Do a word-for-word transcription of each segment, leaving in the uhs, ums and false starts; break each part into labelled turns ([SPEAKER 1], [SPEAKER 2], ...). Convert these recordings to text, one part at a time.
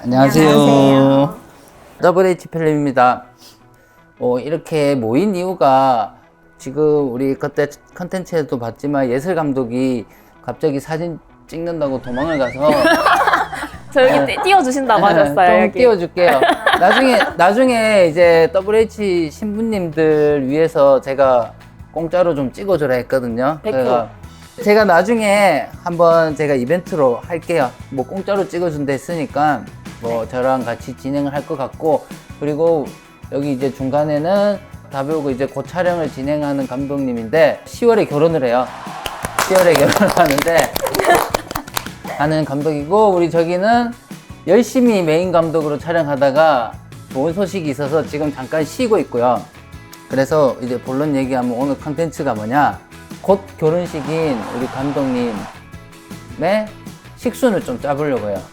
[SPEAKER 1] 안녕하세요.
[SPEAKER 2] 안녕하세요.
[SPEAKER 1] 더블 에이치 필름입니다. 어, 이렇게 모인 이유가 지금 우리 그때 컨텐츠에도 봤지만 예슬 감독이 갑자기 사진 찍는다고 도망을 가서
[SPEAKER 2] 저 여기 띄- 띄워주신다고 하셨어요.
[SPEAKER 1] 좀
[SPEAKER 2] 여기.
[SPEAKER 1] 띄워줄게요. 나중에 나중에 이제 더블 에이치 신부님들 위해서 제가 공짜로 좀 찍어주라 했거든요.
[SPEAKER 2] 백 퍼센트.
[SPEAKER 1] 제가, 제가 나중에 한번 제가 이벤트로 할게요. 뭐 공짜로 찍어준다 했으니까 뭐
[SPEAKER 2] 네.
[SPEAKER 1] 저랑 같이 진행을 할 것 같고, 그리고 여기 이제 중간에는 다 배우고 이제 곧 촬영을 진행하는 감독님인데 시월에 결혼을 해요. 시월에 결혼을 하는데 하는 감독이고, 우리 저기는 열심히 메인 감독으로 촬영하다가 좋은 소식이 있어서 지금 잠깐 쉬고 있고요. 그래서 이제 본론 얘기하면 오늘 컨텐츠가 뭐냐, 곧 결혼식인 우리 감독님의 식순을 좀 짜보려고 해요.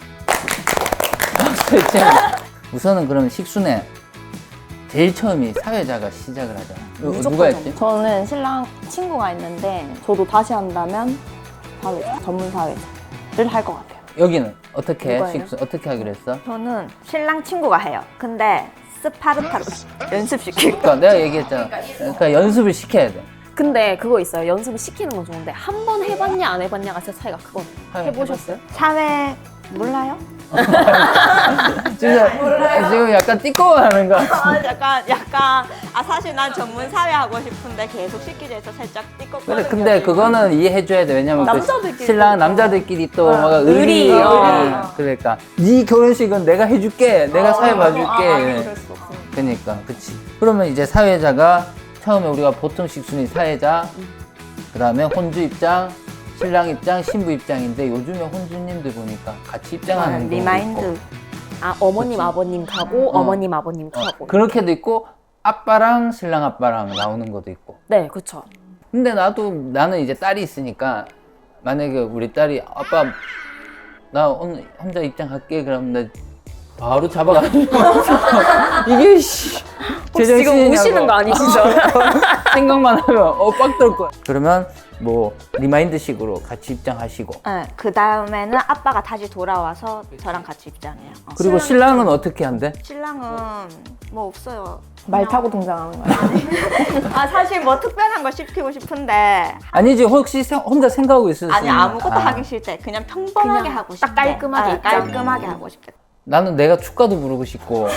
[SPEAKER 1] 우선은 그럼 식순에 제일 처음이 사회자가 시작을 하잖아.
[SPEAKER 2] 무조건
[SPEAKER 1] 누가 했지?
[SPEAKER 3] 저는 신랑 친구가 있는데 저도 다시 한다면 사회자, 전문 사회자를 할 것 같아요.
[SPEAKER 1] 여기는 어떻게 해?
[SPEAKER 2] 누가요?
[SPEAKER 1] 식순 어떻게 하기로 했어?
[SPEAKER 3] 저는 신랑 친구가 해요. 근데 스파르타로 연습시키고
[SPEAKER 1] 그러니까 내가 얘기했잖아. 그러니까 연습을 시켜야 돼.
[SPEAKER 2] 근데 그거 있어요. 연습을 시키는 건 좋은데 한 번 해봤냐 안 해봤냐가 진짜 차이가 크거든요. 해보셨어요?
[SPEAKER 3] 사회 몰라요?
[SPEAKER 1] 지금, 지금 약간 띠꺼워하는 거 같아.
[SPEAKER 3] 아, 약간 약간 아 사실 난 전문 사회 하고 싶은데 계속 시키자 해서 살짝 띠껍거든요.
[SPEAKER 1] 그래, 근데 그거는 이해해줘야 돼. 왜냐면 그
[SPEAKER 3] 남자들끼리
[SPEAKER 1] 신랑
[SPEAKER 3] 또.
[SPEAKER 1] 남자들끼리 또 막
[SPEAKER 2] 의리.
[SPEAKER 1] 의리.
[SPEAKER 2] 어.
[SPEAKER 1] 어. 그러니까 네 결혼식은 내가 해줄게. 내가 사회 봐줄게.
[SPEAKER 3] 아, 그럴 수 없으니까.
[SPEAKER 1] 그러니까 그치. 그러면 이제 사회자가 처음에 우리가 보통 식순이 사회자, 그 다음에 혼주 입장, 신랑 입장, 신부 입장인데 요즘에 혼주님들 보니까 같이 입장하는 경우도
[SPEAKER 3] 리마인드.
[SPEAKER 1] 있고,
[SPEAKER 2] 아 어머님
[SPEAKER 1] 그치.
[SPEAKER 2] 아버님 가고
[SPEAKER 1] 어.
[SPEAKER 2] 어. 머님 아버님
[SPEAKER 1] 어,
[SPEAKER 2] 가고.
[SPEAKER 1] 그렇게도 있고 아빠랑 신랑 아빠랑 나오는 것도 있고.
[SPEAKER 2] 네, 그렇죠.
[SPEAKER 1] 근데 나도 나는 이제 딸이 있으니까 만약에 우리 딸이 아빠 나 오늘 혼자 입장할게 그러면 나 바로 잡아가지고 이게 씨
[SPEAKER 2] 혹시 지금 우시는 거 아니시죠?
[SPEAKER 1] 생각만 하면 어빡 떨 거야. 그러면 뭐 리마인드식으로 같이 입장하시고,
[SPEAKER 3] 네, 그 다음에는 아빠가 다시 돌아와서 저랑 같이 입장해요. 어.
[SPEAKER 1] 그리고 신랑은 어떻게 한대?
[SPEAKER 3] 신랑은 뭐 없어요.
[SPEAKER 2] 말 타고 등장하는 거예요.
[SPEAKER 3] 아 사실 뭐 특별한 거 시키고 싶은데
[SPEAKER 1] 아니지, 혹시 생- 혼자 생각하고 있을 수
[SPEAKER 3] 아니
[SPEAKER 1] 있는-
[SPEAKER 3] 아무것도
[SPEAKER 1] 아,
[SPEAKER 3] 하기 싫대. 그냥 평범하게
[SPEAKER 2] 그냥
[SPEAKER 3] 하고
[SPEAKER 2] 딱
[SPEAKER 3] 싶대.
[SPEAKER 2] 깔끔하게
[SPEAKER 3] 아,
[SPEAKER 2] 입장.
[SPEAKER 3] 깔끔하게 하고 싶겠다.
[SPEAKER 1] 나는 내가 축가도 부르고 싶고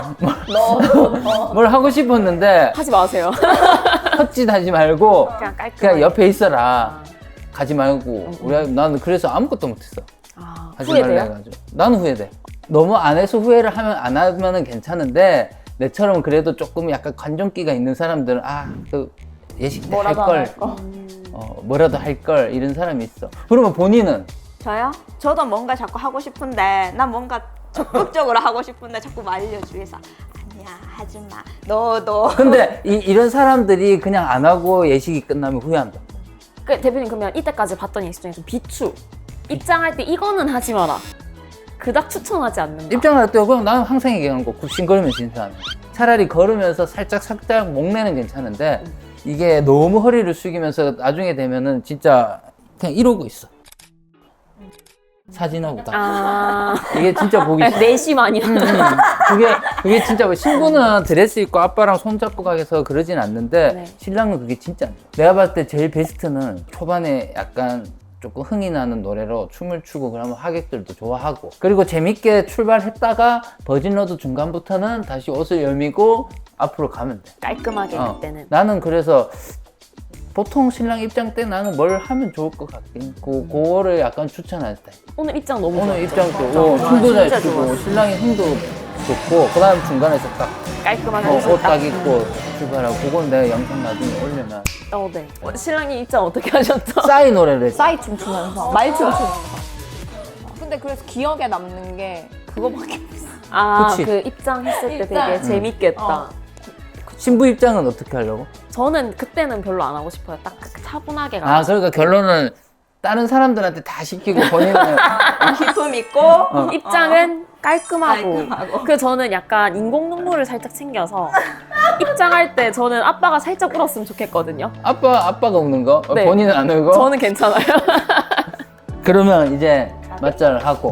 [SPEAKER 1] 뭘 하고 싶었는데
[SPEAKER 2] 하지 마세요.
[SPEAKER 1] 헛짓하지 말고
[SPEAKER 2] 그냥 깔끔하게.
[SPEAKER 1] 그냥 옆에 있어라. 가지 말고. 우리 나는 그래서 아무것도 못했어.
[SPEAKER 2] 아,
[SPEAKER 1] 하지 말라
[SPEAKER 2] 후회돼요?
[SPEAKER 1] 해가지고. 나는 후회돼. 너무 안 해서 후회를 하면 안 하면은 괜찮은데, 내처럼 그래도 조금 약간 관종기가 있는 사람들은 아, 그 예식 때 할
[SPEAKER 3] 뭐라도 안
[SPEAKER 1] 걸,
[SPEAKER 3] 할 거.
[SPEAKER 1] 어, 뭐라도 할 걸 이런 사람이 있어. 그러면 본인은
[SPEAKER 3] 저요? 저도 뭔가 자꾸 하고 싶은데 난 뭔가 적극적으로 하고 싶은데 자꾸 말려주해서 아니야 하지마 너도
[SPEAKER 1] 근데 이, 이런 사람들이 그냥 안 하고 예식이 끝나면 후회한다.
[SPEAKER 2] 그 대표님 그러면 이때까지 봤던 예식 중에 좀 비추 입장할 때 이거는 하지 마라. 그닥 추천하지 않는다.
[SPEAKER 1] 입장할 때 그냥 나는 항상 얘기하는 거 굽신거리면서 인사하는 거. 차라리 걸으면서 살짝 살짝 목내는 괜찮은데 이게 너무 허리를 숙이면서 나중에 되면은 진짜 그냥 이러고 있어. 사진하고 다.
[SPEAKER 2] 아,
[SPEAKER 1] 이게 진짜 보기 싫어.
[SPEAKER 2] 내심아니야.
[SPEAKER 1] 음, 그게 그게 진짜 뭐 신부는 드레스 입고 아빠랑 손 잡고 가서 그러진 않는데
[SPEAKER 2] 네.
[SPEAKER 1] 신랑은 그게 진짜 안 돼. 내가 봤을 때 제일 베스트는 초반에 약간 조금 흥이 나는 노래로 춤을 추고 그러면 하객들도 좋아하고, 그리고 재밌게 출발했다가 버진로드 중간부터는 다시 옷을 여미고 앞으로 가면 돼.
[SPEAKER 2] 깔끔하게
[SPEAKER 1] 어.
[SPEAKER 2] 그때는.
[SPEAKER 1] 나는 그래서 보통 신랑 입장 때 나는 뭘 하면 좋을 것 같긴, 그, 그거를 약간 추천할 때.
[SPEAKER 2] 오늘 입장 너무
[SPEAKER 1] 오늘
[SPEAKER 2] 좋았죠?
[SPEAKER 1] 입장도 어, 춤도 잘
[SPEAKER 2] 진짜
[SPEAKER 1] 추고
[SPEAKER 2] 좋았어.
[SPEAKER 1] 신랑이 흥도 좋고, 그 다음 중간에서 딱
[SPEAKER 2] 깔끔하게
[SPEAKER 1] 어,
[SPEAKER 2] 옷을
[SPEAKER 1] 옷 딱 입고 출발하고, 그건 내가 영상 나중에 올려놔.
[SPEAKER 2] 어, 네. 어, 신랑이 입장 어떻게 하셨죠?
[SPEAKER 1] 싸이 노래를 했어.
[SPEAKER 4] 싸이 춤추면서 말 춤추면서. 근데 그래서 기억에 남는 게 그거밖에 없어.
[SPEAKER 2] 아,
[SPEAKER 1] 그치.
[SPEAKER 2] 그 입장했을 때
[SPEAKER 4] 입장.
[SPEAKER 2] 되게
[SPEAKER 4] 음.
[SPEAKER 2] 재밌겠다.
[SPEAKER 4] 어.
[SPEAKER 1] 신부 입장은 어떻게 하려고?
[SPEAKER 2] 저는 그때는 별로 안 하고 싶어요. 딱 차분하게
[SPEAKER 1] 아,
[SPEAKER 2] 가서.
[SPEAKER 1] 그러니까 결론은 다른 사람들한테 다 시키고 본인은
[SPEAKER 3] 기품 있고
[SPEAKER 1] 어.
[SPEAKER 2] 입장은 깔끔하고.
[SPEAKER 3] 깔끔하고.
[SPEAKER 2] 그 저는 약간 인공 눈물을 살짝 챙겨서 입장할 때 저는 아빠가 살짝 울었으면 좋겠거든요.
[SPEAKER 1] 아빠 아빠가 우는 거, 어,
[SPEAKER 2] 네.
[SPEAKER 1] 본인은 안 울고.
[SPEAKER 2] 저는 괜찮아요.
[SPEAKER 1] 그러면 이제 맞자를 하고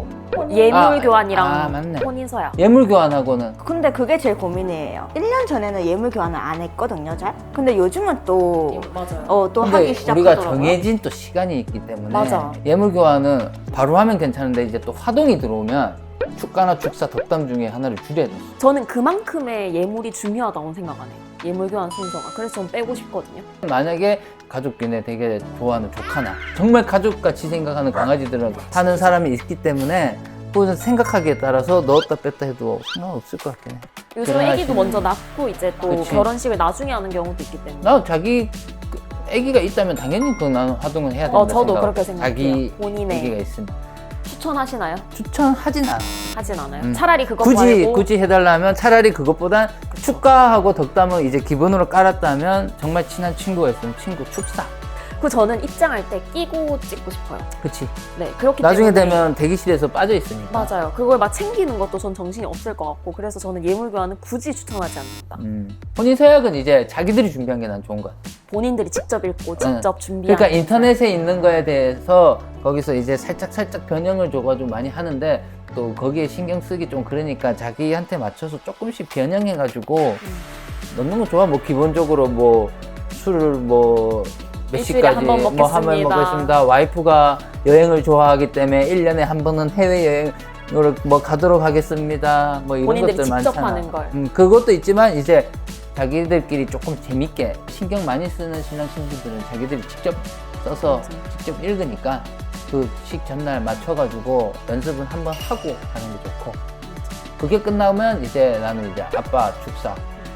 [SPEAKER 2] 예물
[SPEAKER 1] 아,
[SPEAKER 2] 교환이랑
[SPEAKER 1] 아, 맞네.
[SPEAKER 2] 혼인서약.
[SPEAKER 1] 예물 교환하고는
[SPEAKER 3] 근데 그게 제일 고민이에요. 일 년 전에는 예물 교환을 안 했거든요, 잘. 근데 요즘은 또,
[SPEAKER 2] 맞아요.
[SPEAKER 3] 어, 또
[SPEAKER 1] 근데
[SPEAKER 3] 하기
[SPEAKER 1] 우리가
[SPEAKER 3] 시작하더라고요.
[SPEAKER 1] 정해진 또 시간이 있기 때문에
[SPEAKER 2] 맞아.
[SPEAKER 1] 예물 교환은 바로 하면 괜찮은데 이제 또 화동이 들어오면 축가나 축사 덕담 중에 하나를 줄여야 돼.
[SPEAKER 2] 저는 그만큼의 예물이 중요하다고 생각하네요. 예물 교환 순서가. 그래서 전 빼고 싶거든요.
[SPEAKER 1] 만약에 가족끼리 되게 좋아하는 조카나 정말 가족같이 생각하는 강아지들은 하는 사람이 있기 때문에 그 생각하기에 따라서 넣었다 뺐다 해도 상관없을 것 같긴 해.
[SPEAKER 2] 요즘
[SPEAKER 1] 결혼하시는-
[SPEAKER 2] 애기도 먼저 낳고 이제 또
[SPEAKER 1] 그치.
[SPEAKER 2] 결혼식을 나중에 하는 경우도 있기 때문에.
[SPEAKER 1] 나 자기 그 애기가 있다면 당연히 그 나는 화동은 해야 된다
[SPEAKER 2] 어, 저도
[SPEAKER 1] 생각.
[SPEAKER 2] 그렇게 생각해요.
[SPEAKER 1] 자기
[SPEAKER 2] 본인의.
[SPEAKER 1] 애기가 있으면
[SPEAKER 2] 추천하시나요?
[SPEAKER 1] 추천하진 않아.
[SPEAKER 2] 하진 않아요.
[SPEAKER 1] 음.
[SPEAKER 2] 차라리 그거
[SPEAKER 1] 굳이
[SPEAKER 2] 말고
[SPEAKER 1] 굳이 해달라면 차라리 그것보단 축가하고 덕담을 이제 기본으로 깔았다면 정말 친한 친구가 있으면 친구 축사.
[SPEAKER 2] 그 저는 입장할 때 끼고 찍고 싶어요.
[SPEAKER 1] 그치.
[SPEAKER 2] 네, 그렇기
[SPEAKER 1] 나중에
[SPEAKER 2] 때문에
[SPEAKER 1] 되면 대기실에서 빠져 있으니까.
[SPEAKER 2] 맞아요. 그걸 막 챙기는 것도 전 정신이 없을 것 같고 그래서 저는 예물 교환은 굳이 추천하지 않는다.
[SPEAKER 1] 음. 혼인 서약은 이제 자기들이 준비한 게 난 좋은 것 같아.
[SPEAKER 2] 본인들이 직접 읽고 직접 준비하는.
[SPEAKER 1] 그러니까 인터넷에 있는 거에 대해서 거기서 이제 살짝 살짝 변형을 줘가지고 많이 하는데 또 거기에 신경 쓰기 좀 그러니까 자기한테 맞춰서 조금씩 변형해가지고
[SPEAKER 2] 음.
[SPEAKER 1] 넣는 거 좋아. 뭐 기본적으로 뭐 술을 뭐 몇
[SPEAKER 2] 일주일에
[SPEAKER 1] 시까지
[SPEAKER 2] 한번
[SPEAKER 1] 뭐 하면
[SPEAKER 2] 먹겠습니다.
[SPEAKER 1] 먹겠습니다. 와이프가 여행을 좋아하기 때문에 일 년에 한 번은 해외 여행을 뭐 가도록 하겠습니다. 뭐 이런
[SPEAKER 2] 본인들이
[SPEAKER 1] 것들
[SPEAKER 2] 직접
[SPEAKER 1] 많잖아.
[SPEAKER 2] 하는 걸.
[SPEAKER 1] 음, 그것도 있지만 이제 자기들끼리 조금 재밌게 신경 많이 쓰는 신랑 신부들은 자기들이 직접 써서
[SPEAKER 2] 맞아.
[SPEAKER 1] 직접 읽으니까 그 식 전날 맞춰가지고 연습은 한번 하고 하는 게 좋고 그게 끝나면 이제 나는 이제 아빠 축사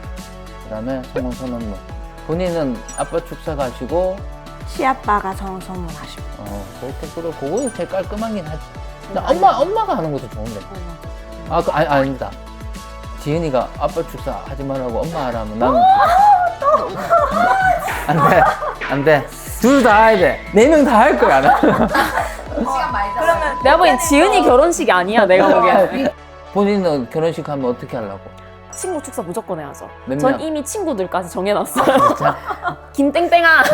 [SPEAKER 1] 그다음에 성혼 선언문 본인은 아빠 축사 가시고
[SPEAKER 3] 시아빠가 성선물 하시고.
[SPEAKER 1] 어 그렇게 그래 그거는 제일 깔끔하긴 하지. 나 엄마 엄마가 하는 것도 좋은데 아 그, 아니 아닙니다. 지은이가 아빠 축사 하지 말라고 엄마 하라면 나는 안돼 안돼 둘 다 해야 돼 네 명 다 할 거야 나.
[SPEAKER 3] 그러면
[SPEAKER 2] 내가 보기엔 지은이 결혼식이 아니야. 내가 보기엔.
[SPEAKER 1] 본인은 결혼식 하면 어떻게 하려고?
[SPEAKER 2] 친구 축사 무조건 해야죠.
[SPEAKER 1] 몇
[SPEAKER 2] 전
[SPEAKER 1] 명?
[SPEAKER 2] 이미 친구들까지 정해놨어요.
[SPEAKER 1] 진짜?
[SPEAKER 2] 김땡땡아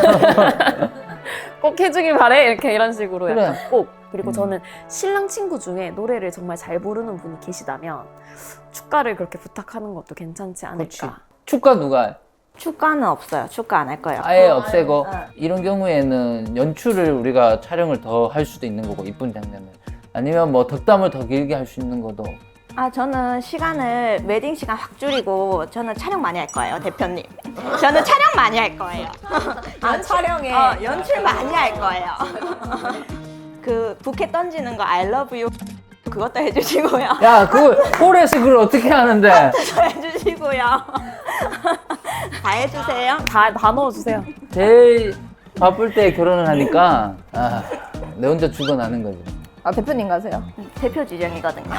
[SPEAKER 2] 꼭 해주길 바래 이렇게 이런 식으로
[SPEAKER 1] 그래.
[SPEAKER 2] 약간 꼭. 그리고
[SPEAKER 1] 음.
[SPEAKER 2] 저는 신랑 친구 중에 노래를 정말 잘 부르는 분이 계시다면 축가를 그렇게 부탁하는 것도 괜찮지
[SPEAKER 1] 그렇지.
[SPEAKER 2] 않을까.
[SPEAKER 1] 축가 누가 해?
[SPEAKER 3] 축가는 없어요. 축가 안 할 거예요.
[SPEAKER 1] 아예 없애고
[SPEAKER 3] 어.
[SPEAKER 1] 이런 경우에는 연출을 우리가 촬영을 더 할 수도 있는 거고 이쁜 장면을 아니면 뭐 덕담을 더 길게 할 수 있는 것도
[SPEAKER 3] 아, 저는 시간을 웨딩 시간 확 줄이고 저는 촬영 많이 할 거예요, 대표님. 저는 촬영 많이 할 거예요.
[SPEAKER 4] 아, 촬영에.
[SPEAKER 3] 어, 연출 많이 할 거예요. 그 부케 던지는 거 I love you 그것도 해주시고요.
[SPEAKER 1] 야 그걸 홀에서 그걸 어떻게 하는데
[SPEAKER 3] 저 해주시고요. 다 해주세요.
[SPEAKER 2] 다, 다 넣어주세요.
[SPEAKER 1] 제일 바쁠 때 결혼을 하니까 아, 내 혼자 죽어나는 거지.
[SPEAKER 4] 아, 대표님 가세요.
[SPEAKER 3] 대표 지정이거든요.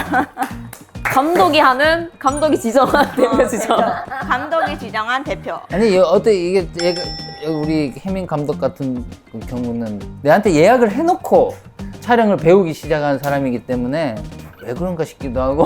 [SPEAKER 2] 감독이 하는, 감독이 지정한 대표 지정.
[SPEAKER 3] 감독이 지정한 대표.
[SPEAKER 1] 아니 여- 어때 이게 얘가 우리 혜민 감독 같은 그 경우는 내한테 예약을 해놓고 촬영을 배우기 시작한 사람이기 때문에 왜 그런가 싶기도 하고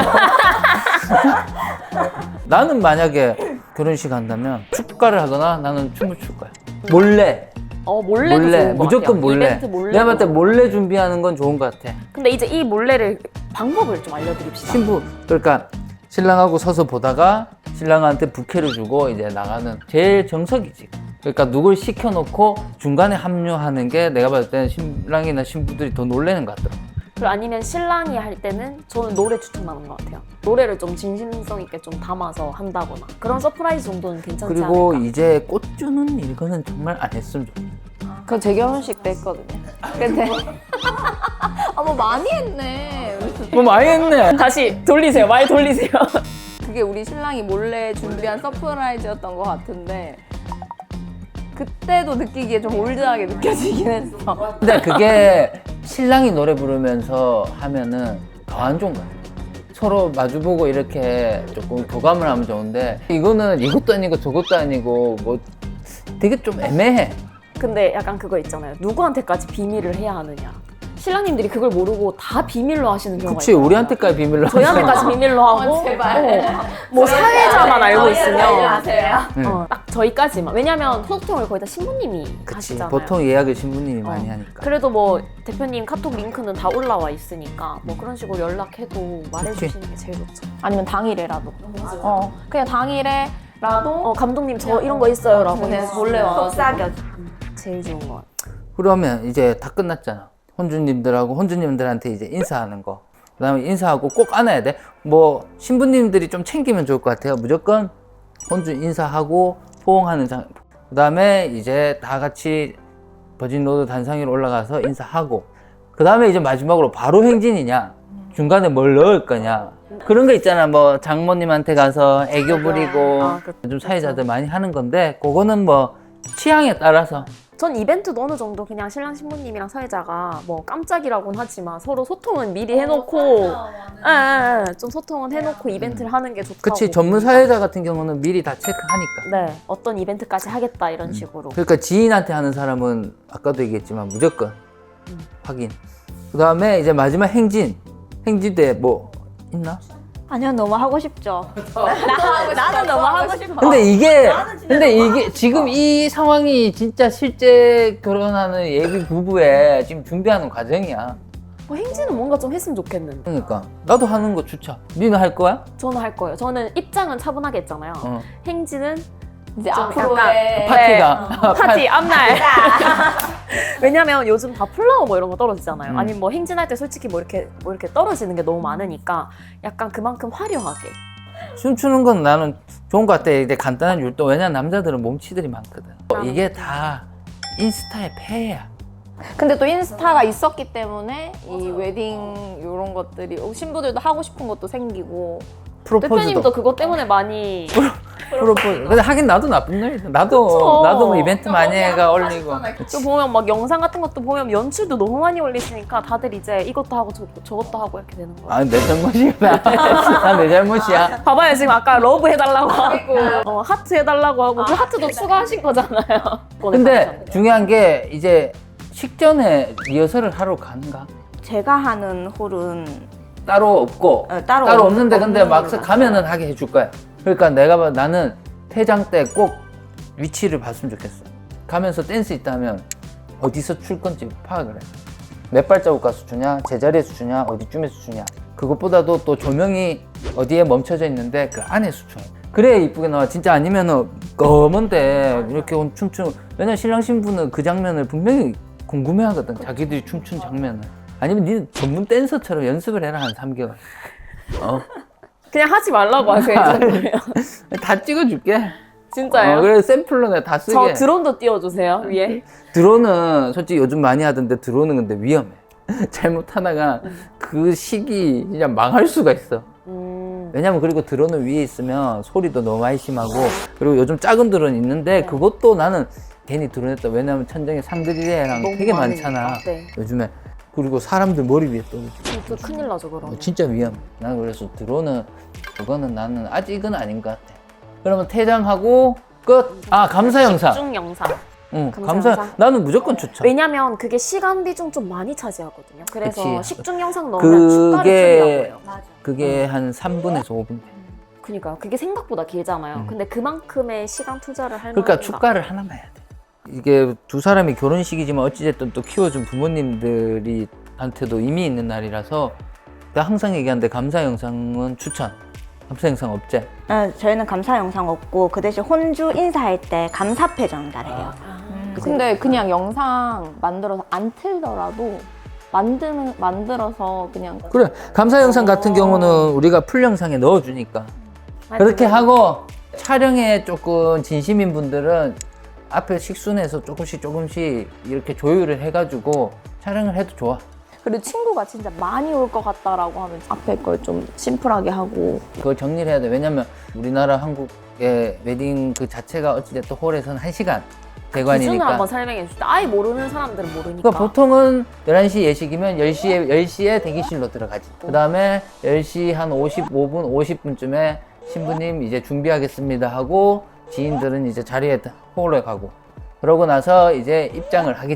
[SPEAKER 1] 나는 만약에 결혼식 한다면 축가를 하거나 나는 춤을 출 거야 몰래
[SPEAKER 2] 어, 몰래도
[SPEAKER 1] 몰래
[SPEAKER 2] 좋은 것
[SPEAKER 1] 무조건
[SPEAKER 2] 같아요.
[SPEAKER 1] 몰래
[SPEAKER 2] 이벤트 몰래.
[SPEAKER 1] 내가 봤을 때 몰래 준비하는 건 좋은 것 같아
[SPEAKER 2] 근데 이제 이 몰래를 방법을 좀 알려드립시다.
[SPEAKER 1] 신부 그러니까 신랑하고 서서 보다가 신랑한테 부케를 주고 이제 나가는 제일 정석이지. 그러니까 누굴 시켜놓고 중간에 합류하는 게 내가 봤을 때는 신랑이나 신부들이 더 놀라는 것 같더라고.
[SPEAKER 2] 그리고 아니면 신랑이 할 때는 저는 노래 추천하는 것 같아요. 노래를 좀 진심성 있게 좀 담아서 한다거나 그런 서프라이즈 정도는 괜찮지
[SPEAKER 1] 그리고
[SPEAKER 2] 않을까.
[SPEAKER 1] 이제 꽃 주는 이거는 정말 안 했으면 좋겠어.
[SPEAKER 4] 그거 제 결혼식 때 했거든요. 근데 아, 뭐 많이 했네.
[SPEAKER 1] 뭐 많이 했네.
[SPEAKER 2] 다시 돌리세요. 말 돌리세요.
[SPEAKER 4] 그게 우리 신랑이 몰래 준비한 서프라이즈였던 것 같은데 그때도 느끼기에 좀 올드하게 느껴지긴 했어.
[SPEAKER 1] 근데 그게 신랑이 노래 부르면서 하면은 더 안 좋은 거야. 서로 마주보고 이렇게 조금 교감을 하면 좋은데 이거는 이것도 아니고 저것도 아니고 뭐 되게 좀 애매해.
[SPEAKER 2] 근데 약간 그거 있잖아요. 누구한테까지 비밀을 해야 하느냐. 신랑님들이 그걸 모르고 다 비밀로 하시는 경우가
[SPEAKER 1] 그치,
[SPEAKER 2] 있어요.
[SPEAKER 1] 우리한테까지 비밀로
[SPEAKER 2] 저희한테까지 비밀로 하고
[SPEAKER 4] 어, 제발.
[SPEAKER 2] 어, 뭐 사회자만 알고 있으면
[SPEAKER 4] 아세요?
[SPEAKER 1] 응.
[SPEAKER 2] 어, 딱 저희까지만. 왜냐면 소통을 거의 다 신부님이
[SPEAKER 1] 그치,
[SPEAKER 2] 하시잖아요.
[SPEAKER 1] 보통 예약을 신부님이 많이
[SPEAKER 2] 어.
[SPEAKER 1] 하니까.
[SPEAKER 2] 그래도 뭐 대표님 카톡 링크는 다 올라와 있으니까 뭐 그런 식으로 연락해도 말해주시는 게 제일 좋죠.
[SPEAKER 4] 아니면 당일에라도. 어, 그냥 당일에라도
[SPEAKER 2] 어 감독님 저 이런 거 있어요라고
[SPEAKER 4] 그냥
[SPEAKER 2] 해서
[SPEAKER 4] 몰래 와가지고.
[SPEAKER 3] 속삭여.
[SPEAKER 2] 제일 좋은 것 같아요.
[SPEAKER 1] 그러면 이제 다 끝났잖아. 혼주님들하고 혼주님들한테 이제 인사하는 거. 그 다음에 인사하고 꼭 안아야 돼. 뭐, 신부님들이 좀 챙기면 좋을 것 같아요. 무조건 혼주 인사하고 포옹하는 장. 그 다음에 이제 다 같이 버진로드 단상 위로 올라가서 인사하고. 그 다음에 이제 마지막으로 바로 행진이냐. 중간에 뭘 넣을 거냐. 그런 거 있잖아. 뭐, 장모님한테 가서 애교 부리고.
[SPEAKER 2] 아, 그-
[SPEAKER 1] 요즘 사회자들 많이 하는 건데, 그거는 뭐, 취향에 따라서.
[SPEAKER 2] 전 이벤트도 어느 정도 그냥 신랑 신부님이랑 사회자가 뭐 깜짝이라고는 하지만 서로 소통은 미리 해놓고 예, 예, 좀 소통은 해놓고 이벤트를 하는 게 좋다고
[SPEAKER 1] 그치, 전문 사회자 같은 경우는 미리 다 체크하니까.
[SPEAKER 2] 네 어떤 이벤트까지 하겠다 이런 식으로
[SPEAKER 1] 그러니까 지인한테 하는 사람은 아까도 얘기했지만 무조건
[SPEAKER 2] 음.
[SPEAKER 1] 확인. 그 다음에 이제 마지막 행진. 행진대 뭐 있나?
[SPEAKER 3] 아니요, 너무 하고 싶죠. 나, 나는 너무 하고 싶어.
[SPEAKER 1] 근데 이게 근데 이게 지금 이 상황이 진짜 실제 결혼하는 예비 부부의 지금 준비하는 과정이야.
[SPEAKER 2] 뭐 행진은 뭔가 좀 했으면 좋겠는데
[SPEAKER 1] 그러니까 나도 하는 거 추천. 니는 할 거야?
[SPEAKER 2] 저는 할 거예요. 저는 입장은 차분하게 했잖아요.
[SPEAKER 1] 어.
[SPEAKER 2] 행진은
[SPEAKER 4] 이제
[SPEAKER 2] 좀
[SPEAKER 4] 앞으로의
[SPEAKER 1] 파티가
[SPEAKER 2] 파티 앞날. 왜냐면 요즘 다 플라워 뭐 이런 거 떨어지잖아요.
[SPEAKER 1] 음.
[SPEAKER 2] 아니면 뭐 행진할 때 솔직히 뭐 이렇게 뭐 이렇게 떨어지는 게 너무 많으니까 약간 그만큼 화려하게.
[SPEAKER 1] 춤추는 건 나는 좋은 것 같아. 이제 간단한 율동. 왜냐 남자들은 몸치들이 많거든. 이게 다 인스타의 폐해야.
[SPEAKER 4] 근데 또 인스타가 있었기 때문에 이 웨딩 이런 것들이 어, 신부들도 하고 싶은 것도 생기고
[SPEAKER 1] 프로포즈도
[SPEAKER 2] 대표님도 그것 때문에 많이
[SPEAKER 1] 프로포즈. 근데 하긴 나도 나쁜 놈이다. 나도
[SPEAKER 2] 그쵸.
[SPEAKER 1] 나도 뭐 이벤트 많이 해가 올리고.
[SPEAKER 2] 또 보면 막 영상 같은 것도 보면 연출도 너무 많이 올리시니까 다들 이제 이것도 하고 저, 저것도 하고 이렇게 되는 거예요.
[SPEAKER 1] 아, 내 잘못이야. 나 내 잘못이야.
[SPEAKER 2] 봐봐요 지금 아까 러브 해달라고 하고 어, 하트 해달라고 하고 그 하트도 추가하신 거잖아요.
[SPEAKER 1] 근데 중요한 게 이제 식전에 리허설을 하러 가는가?
[SPEAKER 3] 제가 하는 홀은
[SPEAKER 1] 따로 없고
[SPEAKER 3] 어, 따로,
[SPEAKER 1] 따로
[SPEAKER 3] 없-
[SPEAKER 1] 없는데 근데
[SPEAKER 3] 없는
[SPEAKER 1] 막상
[SPEAKER 3] 걸로
[SPEAKER 1] 가면은 하게 해줄 거야. 그러니까 내가 봐 나는 퇴장 때 꼭 위치를 봤으면 좋겠어. 가면서 댄스 있다면 어디서 출 건지 파악을 해. 몇 발자국 가서 주냐, 제자리에서 주냐, 어디쯤에서 주냐. 그것보다도 또 조명이 어디에 멈춰져 있는데 그 안에서 춰. 그래야 이쁘게 나와. 진짜 아니면은 검은데 이렇게 온 춤추. 왜냐면 신랑 신부는 그 장면을 분명히 궁금해하거든. 자기들이 춤춘 장면을. 아니면 니 전문 댄서처럼 연습을 해라 한 삼 개월. 어?
[SPEAKER 2] 그냥 하지 말라고 하세요.
[SPEAKER 1] 다 찍어줄게.
[SPEAKER 2] 진짜요?
[SPEAKER 1] 어, 그래 샘플로 내가 다 쓰게.
[SPEAKER 2] 저 드론도 띄워주세요 위에.
[SPEAKER 1] 드론은 솔직히 요즘 많이 하던데 드론은 근데 위험해. 잘못하다가 그 시기 진짜 망할 수가 있어.
[SPEAKER 2] 음,
[SPEAKER 1] 왜냐면 그리고 드론은 위에 있으면 소리도 너무 많이 심하고 그리고 요즘 작은 드론 있는데 그것도 나는 괜히 드론 했다. 왜냐면 천장에 상드리레랑
[SPEAKER 2] 너무
[SPEAKER 1] 되게
[SPEAKER 2] 많으니까.
[SPEAKER 1] 많잖아.
[SPEAKER 2] 네.
[SPEAKER 1] 요즘에. 그리고 사람들 머리 위에 떨어지고.
[SPEAKER 2] 또 큰일 나죠 그러면.
[SPEAKER 1] 어, 진짜 위험해. 난 그래서 드론은 그거는 나는 아직은 아닌 것 같아. 그러면 퇴장하고 끝. 아 감사 영상.
[SPEAKER 2] 중 영상.
[SPEAKER 1] 응,
[SPEAKER 2] 감사
[SPEAKER 1] 감사.
[SPEAKER 2] 영상.
[SPEAKER 1] 나는 무조건 추천.
[SPEAKER 2] 왜냐면 그게 시간 비중 좀 많이 차지하거든요. 그래서
[SPEAKER 1] 그치.
[SPEAKER 2] 식중 영상 넣으면 축가를
[SPEAKER 1] 그게
[SPEAKER 2] 줄이라고 해요.
[SPEAKER 3] 맞아.
[SPEAKER 1] 그게 한 삼 분에서 오 분 돼.
[SPEAKER 2] 그러니까 그게 생각보다 길잖아요.
[SPEAKER 1] 음.
[SPEAKER 2] 근데 그만큼의 시간 투자를 할
[SPEAKER 1] 그러니까
[SPEAKER 2] 만한
[SPEAKER 1] 축가를 하나만 해야 돼. 이게 두 사람이 결혼식이지만 어찌됐든 또 키워준 부모님들이 한테도 의미 있는 날이라서 내가 항상 얘기하는데 감사 영상은 추천. 감사 영상 없지?
[SPEAKER 3] 어, 저희는 감사 영상 없고 그 대신 혼주 인사할 때 감사패 전달해요.
[SPEAKER 4] 근데 그냥 영상 만들어서 안 틀더라도 만드는 만들어서 그냥
[SPEAKER 1] 그래. 감사 영상 같은 경우는 우리가 풀 영상에 넣어주니까. 그렇게 하고 촬영에 조금 진심인 분들은 앞에 식순에서 조금씩 조금씩 이렇게 조율을 해가지고 촬영을 해도 좋아.
[SPEAKER 4] 그리고 친구가 진짜 많이 올 것 같다라고 하면 앞에 걸 좀 심플하게 하고
[SPEAKER 1] 그걸 정리를 해야 돼. 왜냐면 우리나라 한국의 웨딩 그 자체가 어찌됐든 홀에서는 한 시간
[SPEAKER 2] 기준을
[SPEAKER 1] 대관이니까.
[SPEAKER 2] 한번 설명해 주시다. 아예 모르는 사람들은 모르니까.
[SPEAKER 1] 그러니까 보통은 열한 시 예식이면 열 시에, 열 시에 대기실로 들어가지. 그 다음에 열 시 한 오십오 분, 오십 분쯤에 신부님 이제 준비하겠습니다 하고 지인들은 이제 자리에 홀에 가고 그러고 나서 이제 입장을 하겠지.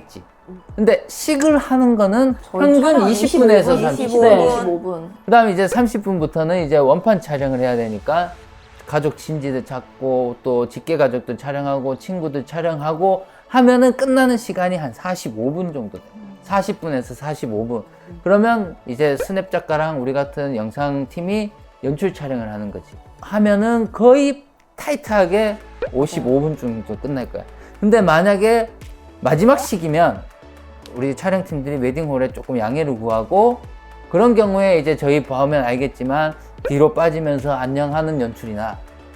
[SPEAKER 1] 근데 식을 하는 거는
[SPEAKER 2] 저희
[SPEAKER 1] 평균
[SPEAKER 2] 촬영
[SPEAKER 1] 이십 분에서
[SPEAKER 2] 이십오 분,
[SPEAKER 1] 삼십
[SPEAKER 2] 이십오
[SPEAKER 1] 분.
[SPEAKER 2] 분.
[SPEAKER 4] 이십오 분.
[SPEAKER 1] 그다음에 이제 삼십 분부터는 이제 원판 촬영을 해야 되니까 가족 친지들 찾고 또 직계 가족들 촬영하고 친구들 촬영하고 하면은 끝나는 시간이 한 사십오 분 정도 돼요. 사십 분에서 사십오 분. 그러면 이제 스냅 작가랑 우리 같은 영상 팀이 연출 촬영을 하는 거지. 하면은 거의 타이트하게 오십오 분 정도 끝날 거야. 근데 만약에 마지막 시기면 우리 촬영팀들이 웨딩홀에 조금 양해를 구하고 그런 경우에 이제 저희 보면 알겠지만 뒤로 빠지면서 안녕하는 연출이나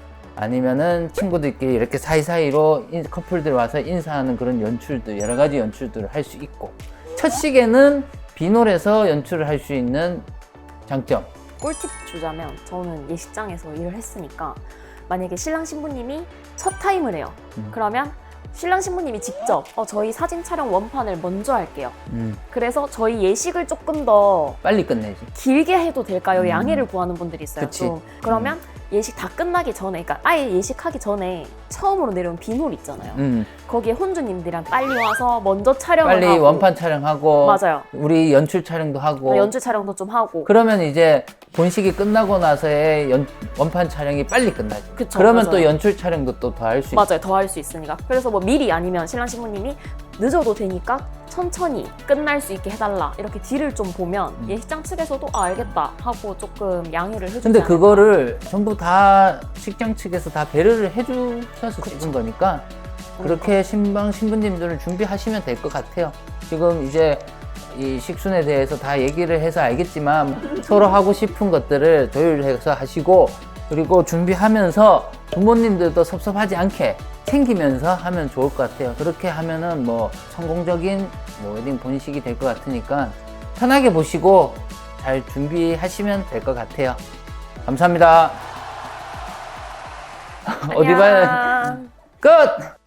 [SPEAKER 1] 아니면은 친구들끼리 이렇게 사이사이로 인- 커플들 와서 인사하는 그런 연출들, 여러 가지 연출들을 할 수 있고 첫 시계는 빈홀에서 연출을 할 수 있는 장점.
[SPEAKER 2] 꿀팁 주자면 저는 예식장에서 일을 했으니까 만약에 신랑 신부님이 첫 타임을 해요.
[SPEAKER 1] 음.
[SPEAKER 2] 그러면 신랑 신부님이 직접 어, 저희 사진 촬영 원판을 먼저 할게요.
[SPEAKER 1] 음,
[SPEAKER 2] 그래서 저희 예식을 조금 더
[SPEAKER 1] 빨리 끝내지.
[SPEAKER 2] 길게 해도 될까요?
[SPEAKER 1] 음.
[SPEAKER 2] 양해를 구하는 분들이 있어요.
[SPEAKER 1] 그치.
[SPEAKER 2] 좀. 그러면 예식 다 끝나기 전에, 그러니까 아예 예식하기 전에 처음으로 내려온 빈홀 있잖아요.
[SPEAKER 1] 음,
[SPEAKER 2] 거기에 혼주님들이랑 빨리 와서 먼저 촬영을
[SPEAKER 1] 빨리
[SPEAKER 2] 하고
[SPEAKER 1] 원판 촬영하고
[SPEAKER 2] 맞아요.
[SPEAKER 1] 우리 연출 촬영도 하고
[SPEAKER 2] 연출 촬영도 좀 하고
[SPEAKER 1] 그러면 이제 본식이 끝나고 나서의 연, 원판 촬영이 빨리 끝나지.
[SPEAKER 2] 그쵸,
[SPEAKER 1] 그러면
[SPEAKER 2] 맞아요.
[SPEAKER 1] 또 연출 촬영도 또 더 할 수 있어.
[SPEAKER 2] 맞아요. 더 할 수 있으니까. 그래서 뭐 미리 아니면 신랑 신부님이 늦어도 되니까 천천히 끝날 수 있게 해달라 이렇게 딜을 좀 보면
[SPEAKER 1] 음.
[SPEAKER 2] 예식장 측에서도 아, 알겠다 하고 조금 양해를 해주지
[SPEAKER 1] 근데
[SPEAKER 2] 않을까.
[SPEAKER 1] 그거를 전부 다 식장 측에서 다 배려를 해주셔서 찍은 거니까 그렇게 신방 신부님들을 준비하시면 될 것 같아요. 지금 이제 이 식순에 대해서 다 얘기를 해서 알겠지만 서로 하고 싶은 것들을 조율해서 하시고 그리고 준비하면서 부모님들도 섭섭하지 않게 챙기면서 하면 좋을 것 같아요. 그렇게 하면은 뭐 성공적인 뭐 웨딩 본식이 될 것 같으니까 편하게 보시고 잘 준비하시면 될 것 같아요. 감사합니다. 어디 봐야
[SPEAKER 2] 안녕.
[SPEAKER 1] 끝!